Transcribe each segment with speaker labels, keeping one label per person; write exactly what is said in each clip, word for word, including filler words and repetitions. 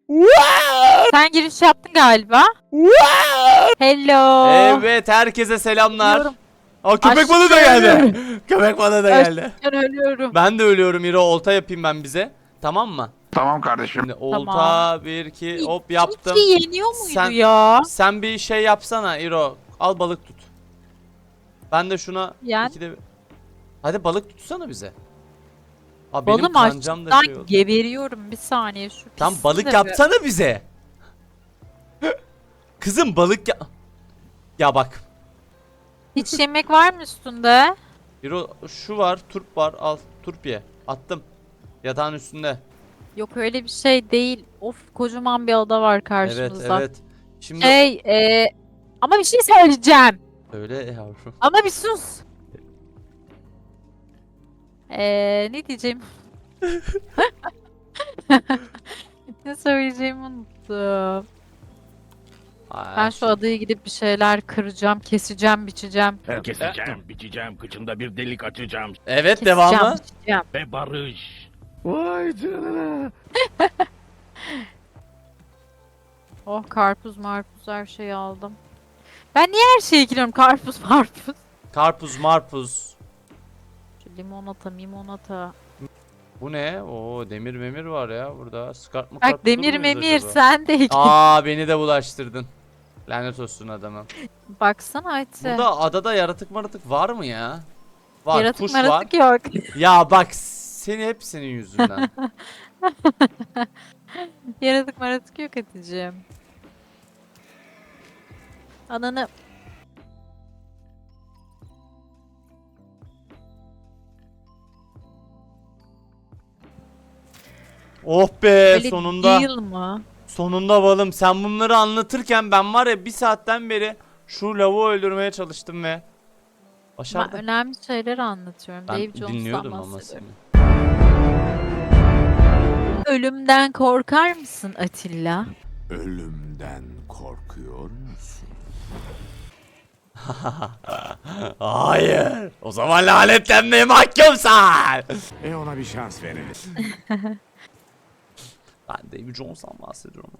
Speaker 1: Sen giriş yaptın galiba. Hello.
Speaker 2: Evet, herkese selamlar.
Speaker 1: Ölüyorum.
Speaker 2: Aa, köpek balığı da
Speaker 1: Aşkım.
Speaker 2: geldi. Köpek balığı da geldi.
Speaker 1: Ben ölüyorum.
Speaker 2: Ben de ölüyorum İro, olta yapayım ben bize. Tamam mı?
Speaker 3: Tamam kardeşim.
Speaker 2: Şimdi olta
Speaker 1: Tamam.
Speaker 2: bir iki
Speaker 1: İki
Speaker 2: hop yaptım.
Speaker 1: iki yeniyor muydu
Speaker 2: Sen-
Speaker 1: ya?
Speaker 2: Sen bir şey yapsana İro. Al balık tut. Ben de şuna
Speaker 1: Yani-
Speaker 2: ikide... Hadi balık tutsana bize. Aa, benim
Speaker 1: Balım
Speaker 2: kancam da
Speaker 1: açlıktan
Speaker 2: şey oldu.
Speaker 1: geberiyorum. Bir saniye şu
Speaker 2: Tam
Speaker 1: pisliği
Speaker 2: balık
Speaker 1: de bir-
Speaker 2: yapsana bize. Kızım balık ya... Ya bak.
Speaker 1: Hiç yemek var mı üstünde?
Speaker 2: İro şu var, turp var, al turp ye. Attım. Yatağın üstünde.
Speaker 1: Yok öyle bir şey değil. Of, kocaman bir ada var
Speaker 2: Evet
Speaker 1: karşımızda.
Speaker 2: evet. Şimdi
Speaker 1: Şey e, ama bir şey söyleyeceğim.
Speaker 2: öyle yavrum.
Speaker 1: Ama bir sus. Eee ne diyeceğim? Ne söyleyeceğimi unuttum.
Speaker 2: Ay,
Speaker 1: Ben şu adaya gidip bir şeyler kıracağım, keseceğim, biçeceğim.
Speaker 4: Keseceğim, biçeceğim, kıçında bir delik açacağım
Speaker 2: Evet,
Speaker 1: Keseceğim,
Speaker 2: devamı.
Speaker 1: biçeceğim.
Speaker 4: ve barış.
Speaker 3: Vay canına.
Speaker 1: Oh, karpuz marpuz her şeyi aldım. Ben niye her şeyi ekliyorum? Karpuz marpuz.
Speaker 2: Karpuz marpuz.
Speaker 1: Şu limonata mimonata.
Speaker 2: Bu ne? Oo, demir memir var ya burada. Skart mı
Speaker 1: Bak demir memir sen de ekle.
Speaker 2: Aa, beni de bulaştırdın. Lanet olsun adamım.
Speaker 1: Baksana Ayça.
Speaker 2: Burada adada yaratık maratık var mı ya? Var,
Speaker 1: Yaratık
Speaker 2: kuş
Speaker 1: maratık
Speaker 2: var.
Speaker 1: yok.
Speaker 2: Ya bak, seni hep senin yüzünden.
Speaker 1: Yaratık maratık yok Hatice'm. Ananı.
Speaker 2: Oh be,
Speaker 1: Öyle
Speaker 2: sonunda.
Speaker 1: değil mi?
Speaker 2: Sonunda balım. Sen bunları anlatırken ben var ya bir saatten beri şu lavuğu öldürmeye çalıştım ve
Speaker 1: Ben
Speaker 2: başardım.
Speaker 1: önemli şeyler anlatıyorum.
Speaker 2: Ben
Speaker 1: Dave Jones'tan
Speaker 2: dinliyordum ama
Speaker 1: bahsediyorum.
Speaker 2: seni.
Speaker 1: Ölümden korkar mısın Atilla?
Speaker 3: Ölümden korkuyor musun?
Speaker 2: Hayır. O zaman lanetlenmeye mahkumsan.
Speaker 3: E ona bir şans verelim.
Speaker 2: Ben Davy Jones'tan bahsediyorum.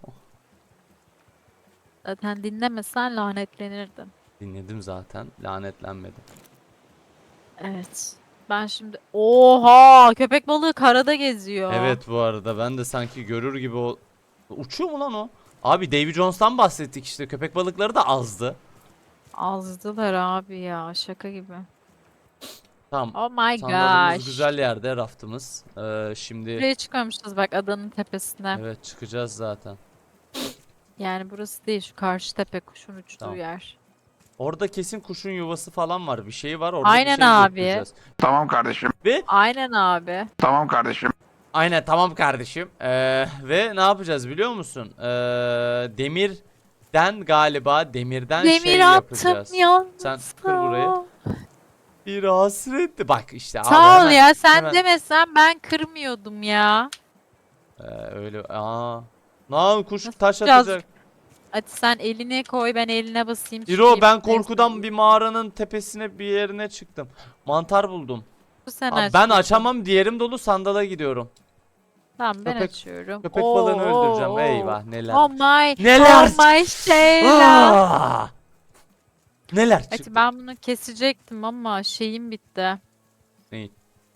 Speaker 1: Zaten dinlemesen lanetlenirdin.
Speaker 2: Dinledim zaten. Lanetlenmedim.
Speaker 1: Evet. Ben şimdi... Oha! Köpek balığı karada geziyor.
Speaker 2: Evet, bu arada ben de sanki görür gibi o... Uçuyor mu lan o? Abi Davy Jones'tan bahsettik işte. Köpek balıkları da azdı.
Speaker 1: Azdılar abi ya. Şaka gibi.
Speaker 2: Tamam.
Speaker 1: Oh my
Speaker 2: Sandalımız
Speaker 1: gosh.
Speaker 2: güzel yerde, raftımız. Ee, şimdi
Speaker 1: Buraya çıkmamışız bak adanın tepesine.
Speaker 2: evet, çıkacağız zaten.
Speaker 1: Yani burası değil, şu karşı tepe, kuşun uçtuğu
Speaker 2: Tamam.
Speaker 1: yer.
Speaker 2: Orada kesin kuşun yuvası falan var. Bir şey var. Orada
Speaker 1: Aynen
Speaker 2: bir şey
Speaker 1: abi.
Speaker 2: götüreceğiz.
Speaker 3: Tamam kardeşim.
Speaker 2: Ve
Speaker 1: Aynen abi.
Speaker 3: Tamam kardeşim.
Speaker 2: aynen, tamam kardeşim. Ee, ve ne yapacağız biliyor musun? Ee, demirden galiba demirden
Speaker 1: Demir
Speaker 2: şey
Speaker 1: attım
Speaker 2: yapacağız.
Speaker 1: yalnız.
Speaker 2: Sen kır burayı. Bir hasretti. Bak işte abi,
Speaker 1: Sağ ol
Speaker 2: hemen-
Speaker 1: ya, sen
Speaker 2: hemen-
Speaker 1: demesen ben kırmıyordum ya.
Speaker 2: Ee, öyle. Aa. Lan kuş
Speaker 1: Nasıl
Speaker 2: taş
Speaker 1: yapacağız?
Speaker 2: atacak.
Speaker 1: Hadi sen eline koy, ben eline basayım.
Speaker 2: İro,
Speaker 1: çıkayım.
Speaker 2: ben
Speaker 1: Neyse,
Speaker 2: korkudan bir mağaranın tepesine bir yerine çıktım. Mantar buldum.
Speaker 1: bu sen
Speaker 2: Abi
Speaker 1: aç
Speaker 2: ben
Speaker 1: bakayım.
Speaker 2: açamam, diğerim dolu, sandala gidiyorum.
Speaker 1: Tamam, ben
Speaker 2: Köpek-
Speaker 1: açıyorum.
Speaker 2: Köpek
Speaker 1: Oo,
Speaker 2: balığını öldüreceğim.
Speaker 1: oo,
Speaker 2: Eyvah, neler.
Speaker 1: Oh my.
Speaker 2: Neler?
Speaker 1: Oh my şeyler.
Speaker 2: Aa! Neler çıktı?
Speaker 1: Hadi ben bunu kesecektim ama şeyim bitti.
Speaker 2: Neyi?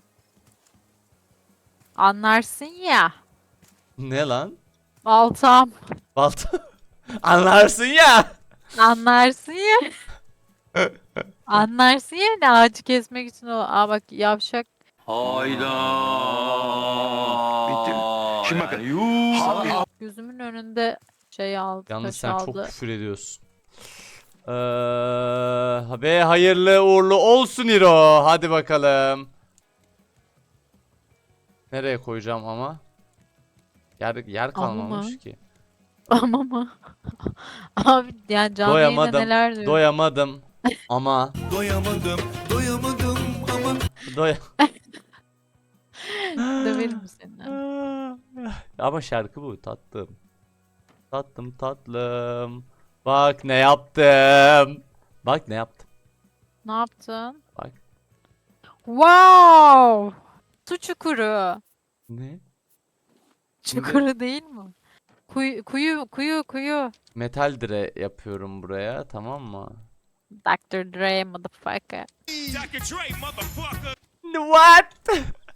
Speaker 1: Anlarsın ya.
Speaker 2: Ne lan?
Speaker 1: Baltam.
Speaker 2: Balta. Anlarsın ya.
Speaker 1: Anlarsın ya. Anlarsın ya, ne ağacı kesmek için o. Aa bak yavşak.
Speaker 3: Bitti mi? Şimdi bakın.
Speaker 1: Gözümün önünde şey aldı.
Speaker 2: Yalnız
Speaker 1: taş
Speaker 2: sen çok
Speaker 1: aldı.
Speaker 2: küfür ediyorsun. Ee, ve hayırlı uğurlu olsun İro. Hadi bakalım. Nereye koyacağım ama? Yer, yer
Speaker 1: Ama
Speaker 2: kalmamış
Speaker 1: mı?
Speaker 2: ki.
Speaker 1: Ama mı? Abi yani canlı yayında
Speaker 2: Doyamadım.
Speaker 1: neler diyor.
Speaker 2: Doyamadım. Ama.
Speaker 5: Doyamadım, doyamadım ama
Speaker 2: Doy.
Speaker 1: Döverim seni.
Speaker 2: Ama şarkı bu, tatlım. Tatlım tatlım. Bak ne yaptım. Bak ne yaptım.
Speaker 1: Ne yaptın?
Speaker 2: Bak.
Speaker 1: Wow! Su çukuru.
Speaker 2: Ne?
Speaker 1: Çukuru değil mi? Kuyu kuyu kuyu kuyu.
Speaker 2: Metal dire yapıyorum buraya, tamam mı?
Speaker 1: doktor Dre motherfucker.
Speaker 2: What?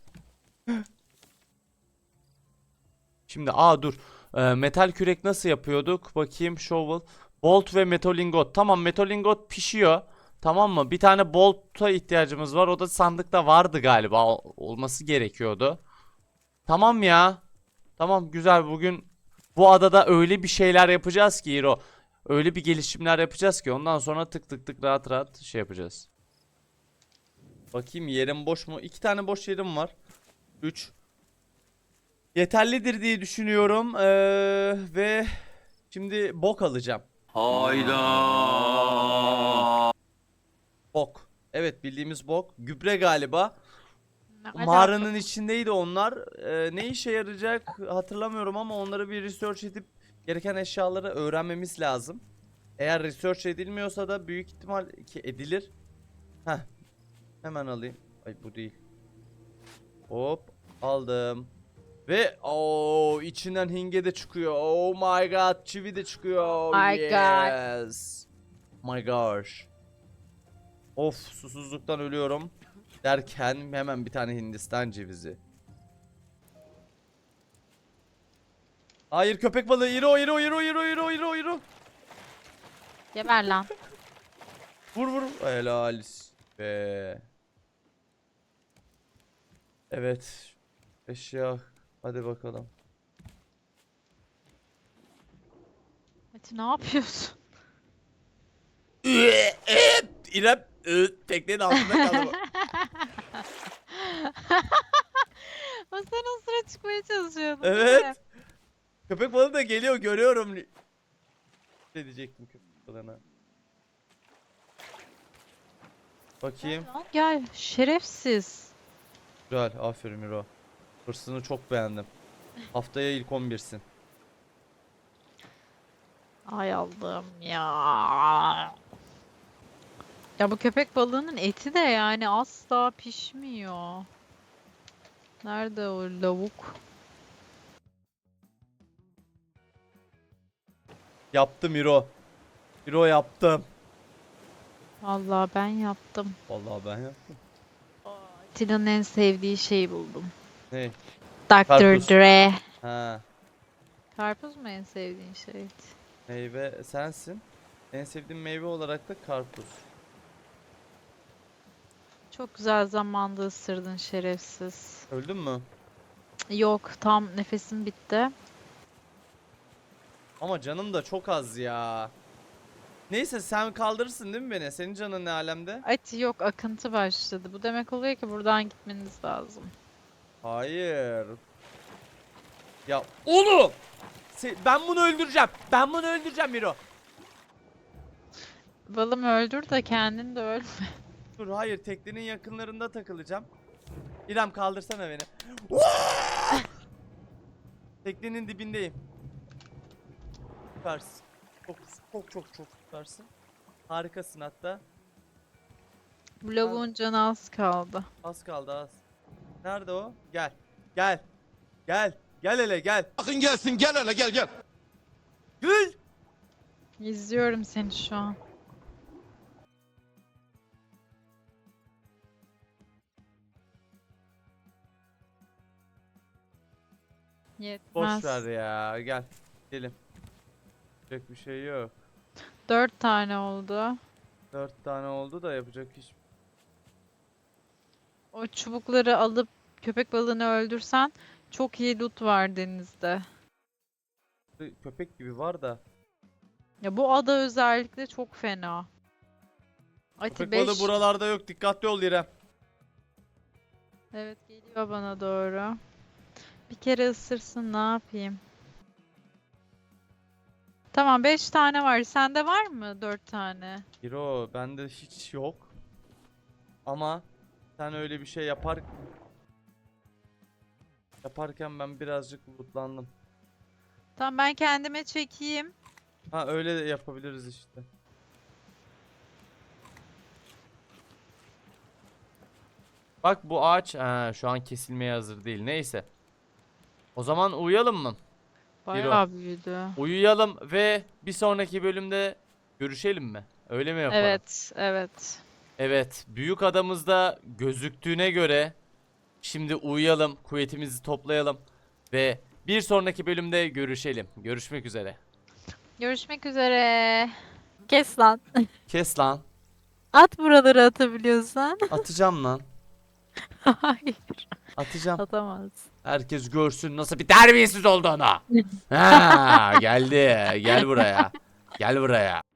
Speaker 2: Şimdi aa dur. Ee, metal kürek nasıl yapıyorduk? Bakayım, shovel. Bolt ve metalingot. Tamam, metalingot pişiyor. Tamam mı? Bir tane bolt'a ihtiyacımız var. O da sandıkta vardı galiba. Ol- olması gerekiyordu. Tamam ya. Tamam, güzel. Bugün bu adada öyle bir şeyler yapacağız ki Hiro. Öyle bir gelişimler yapacağız ki ondan sonra tık tık tık rahat rahat şey yapacağız. Bakayım, yerim boş mu? İki tane boş yerim var. Üç. Yeterlidir diye düşünüyorum. Ee, ve şimdi bok alacağım.
Speaker 5: Hayda.
Speaker 2: Bok. Evet, bildiğimiz bok. Gübre galiba.
Speaker 1: Ne
Speaker 2: Mağaranın
Speaker 1: alaka?
Speaker 2: içindeydi onlar. Ee, ne işe yarayacak hatırlamıyorum ama onları bir research edip gereken eşyaları öğrenmemiz lazım. Eğer research edilmiyorsa da büyük ihtimal ki edilir. Heh. Hemen alayım. Ay, bu değil. Hop, aldım. Ve o içinden hinge de çıkıyor. Oh my god, çivi de çıkıyor. Oh
Speaker 1: My god.
Speaker 2: yes. My gosh. Of, susuzluktan ölüyorum. Derken hemen bir tane Hindistan cevizi. Hayır, köpek balığı. Iro iro iro iro iro iro iro.
Speaker 1: Geber lan.
Speaker 2: Vur vur. Helal be. Evet. Eşya. Hadi bakalım.
Speaker 1: Mete ne yapıyorsun?
Speaker 2: İrem teknenin altında kaldı.
Speaker 1: O sen o sıra çıkmaya çalışıyordun. değil mi?
Speaker 2: Evet. Köpek balığı da geliyor, görüyorum. Ne diyecektim köpek balığına. Bakayım.
Speaker 1: Lan gel şerefsiz.
Speaker 2: Güzel, aferin Miro. Hırsını çok beğendim. Haftaya ilk on birsin.
Speaker 1: Ay Allah'ım ya. Ya bu köpek balığının eti de yani asla pişmiyor. Nerede o lavuk?
Speaker 2: Yaptım Miro. Miro yaptım.
Speaker 1: Vallahi ben yaptım.
Speaker 2: Vallahi ben yaptım.
Speaker 1: Atilla'nın en sevdiği şeyi buldum.
Speaker 2: Ne?
Speaker 1: doktor
Speaker 2: Karpuz.
Speaker 1: Dre.
Speaker 2: Ha,
Speaker 1: Karpuz mu en sevdiğin şey?
Speaker 2: meyve sensin. En sevdiğim meyve olarak da karpuz.
Speaker 1: Çok güzel zamanda ısırdın şerefsiz.
Speaker 2: Öldün mü?
Speaker 1: Yok, tam nefesim bitti.
Speaker 2: Ama canım da çok az ya. Neyse, sen kaldırırsın değil mi beni? Senin canın ne alemde?
Speaker 1: Ati yok, akıntı başladı. Bu demek oluyor ki buradan gitmeniz lazım.
Speaker 2: Hayır. Ya oğlum! Se- ben bunu öldüreceğim. Ben bunu öldüreceğim Miro.
Speaker 1: Balım öldür de kendin de öl.
Speaker 2: Dur, hayır, teknenin yakınlarında takılacağım. İrem, kaldırsana beni. Teknenin dibindeyim. Süpersin. Çok çok çok çok süpersin. Harikasın hatta.
Speaker 1: Bu lavuğun canı az kaldı.
Speaker 2: Az kaldı, az. Nerede o? Gel. Gel. Gel. Gel hele gel.
Speaker 5: Bakın gelsin, gel hele gel gel.
Speaker 2: Gül.
Speaker 1: İzliyorum seni şu an. Yetmez.
Speaker 2: Boş ver ya. Gel. Gidelim. Yapacak bir şey yok.
Speaker 1: Dört tane oldu.
Speaker 2: Dört tane oldu da yapacak hiç.
Speaker 1: O çubukları alıp köpek balığını öldürsen çok iyi loot var denizde.
Speaker 2: Köpek gibi var da.
Speaker 1: Ya bu ada özellikle çok fena. Ati
Speaker 2: Köpek
Speaker 1: beş.
Speaker 2: balığı buralarda yok. Dikkatli ol İrem.
Speaker 1: Evet, geliyor bana doğru. Bir kere ısırsın, ne yapayım? Tamam, beş tane var. Sende var mı dört tane?
Speaker 2: Hiro, bende hiç yok. Ama sen öyle bir şey yapar yaparken ben birazcık lootlandım.
Speaker 1: Tamam, ben kendime çekeyim.
Speaker 2: Ha, öyle de yapabiliriz işte. Bak, bu ağaç ha, şu an kesilmeye hazır değil. Neyse. O zaman uyuyalım mı?
Speaker 1: Bayağı büyüdü.
Speaker 2: Uyuyalım ve bir sonraki bölümde görüşelim mi? Öyle mi yapalım?
Speaker 1: Evet, evet.
Speaker 2: Evet, büyük adamızda gözüktüğüne göre şimdi uyuyalım, kuvvetimizi toplayalım ve bir sonraki bölümde görüşelim. Görüşmek üzere.
Speaker 1: Görüşmek üzere. Kes lan.
Speaker 2: Kes lan.
Speaker 1: At buraları atabiliyorsan.
Speaker 2: Atacağım lan.
Speaker 1: Hayır,
Speaker 2: Atacağım.
Speaker 1: atamaz.
Speaker 2: Herkes görsün nasıl bir terbiyesiz olduğunu. Ha, geldi. Gel buraya. Gel buraya.